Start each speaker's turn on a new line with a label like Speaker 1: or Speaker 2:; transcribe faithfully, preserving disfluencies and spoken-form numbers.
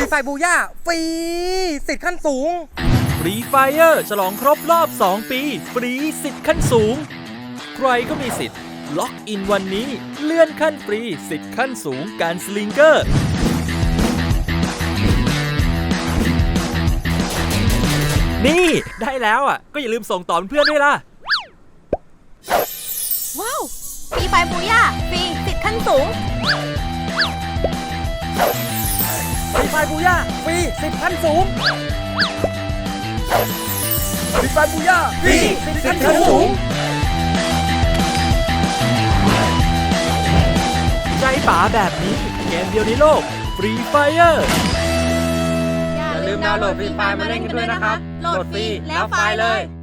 Speaker 1: ไฟบูย่าฟรีสิทธิ์ขั้นสูง
Speaker 2: ฟรีไฟเออร์ฉลองครบรอบสองปีฟรีสิทธิ์ขั้นสูงใครก็มีสิทธิ์ล็อกอินวันนี้เลื่อนขั้นฟรีสิทธิ์ขั้นสูงการสลิงเกอร์นี่ได้แล้วอ่ะก็อย่าลืมส่งต่อเพื่อนด้วยล่ะ
Speaker 3: ว้าวฟรีไฟบูย่าฟรีสิทธิ์ขั้นสูง
Speaker 1: ฟรีไฟบูย่าฟรีสิทธิ์ขั้นสูงฟรีไฟบูย่าฟรีสิทธิ์ขั้นสูง
Speaker 2: ใจป๋าแบบนี้เกมเดียวในโลกฟรีไฟเออร์
Speaker 3: อย่าลืมดาวน์โหลดฟรีไฟมาเล่นกันด้วยนะครับโหลดฟรีแล้วไฟเลย